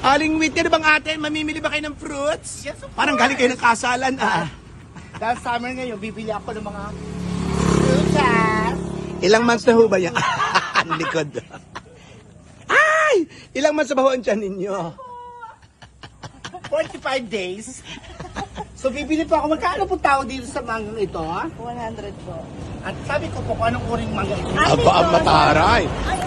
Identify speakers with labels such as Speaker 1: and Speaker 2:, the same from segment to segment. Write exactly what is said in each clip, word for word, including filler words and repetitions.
Speaker 1: Aling Whitney, ano bang ate? Mamimili ba kayo ng fruits?
Speaker 2: Yes, of
Speaker 1: Parang galing kayo ng kasalan, ah.
Speaker 2: Dahil summer ngayon, bibili ako ng mga frutas.
Speaker 1: Ilang months na ho ba yan? Ang likod. Ay! Ilang months na ba ho ang tiyan ninyo?
Speaker 2: forty-five days. So bibili po ako. Magkano po tao dito sa manggang ito?
Speaker 3: one hundred po.
Speaker 2: At sabi ko po kung anong uring mangga ito.
Speaker 1: Aba, ang mataray.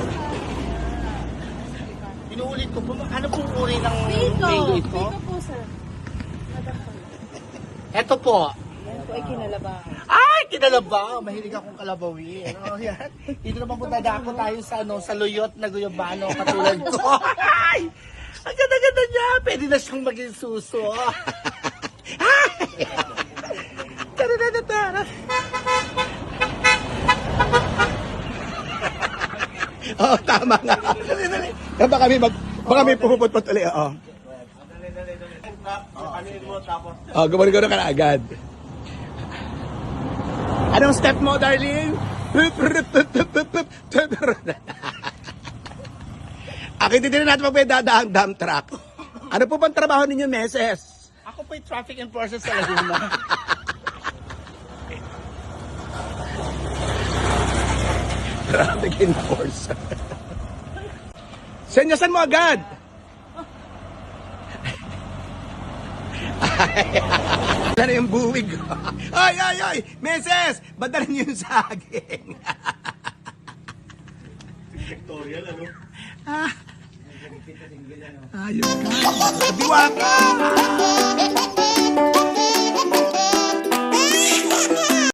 Speaker 2: Inuulit ko po, ano pong uri ng
Speaker 3: Pico.
Speaker 2: mango ito?
Speaker 3: Pico po, sir. Madam po.
Speaker 2: Ito po.
Speaker 3: Yan po ay kinalaba.
Speaker 2: Ay, kinalabaw. Mahilig akong kalabawi. Ano yan? Dito naman po dadako tayo sa ano, sa luyot na guyabano katulad ko. Ay! Ang ganda-ganda niya. Pwede na siyang maging suso. Ay! Tara-tara-tara.
Speaker 1: Oo, tama nga. Baka kami mag... Baka may pupupot-pot ulit, oo. Oh, gumano-gano ka na agad. Anong step mo, darling? Akitin din natin pag may dadaang dump truck. Ano po bang trabaho ninyo, meses?
Speaker 2: Ako po'y traffic enforcer sa Laguna.
Speaker 1: Traffic enforcer. Senyasan mo agad. Ay, wala na yung buwig. Ay, ay, ay! Meses! Ba't na rin yung saging? Victorial, ano? Ah. Ayos ka. Diwaka!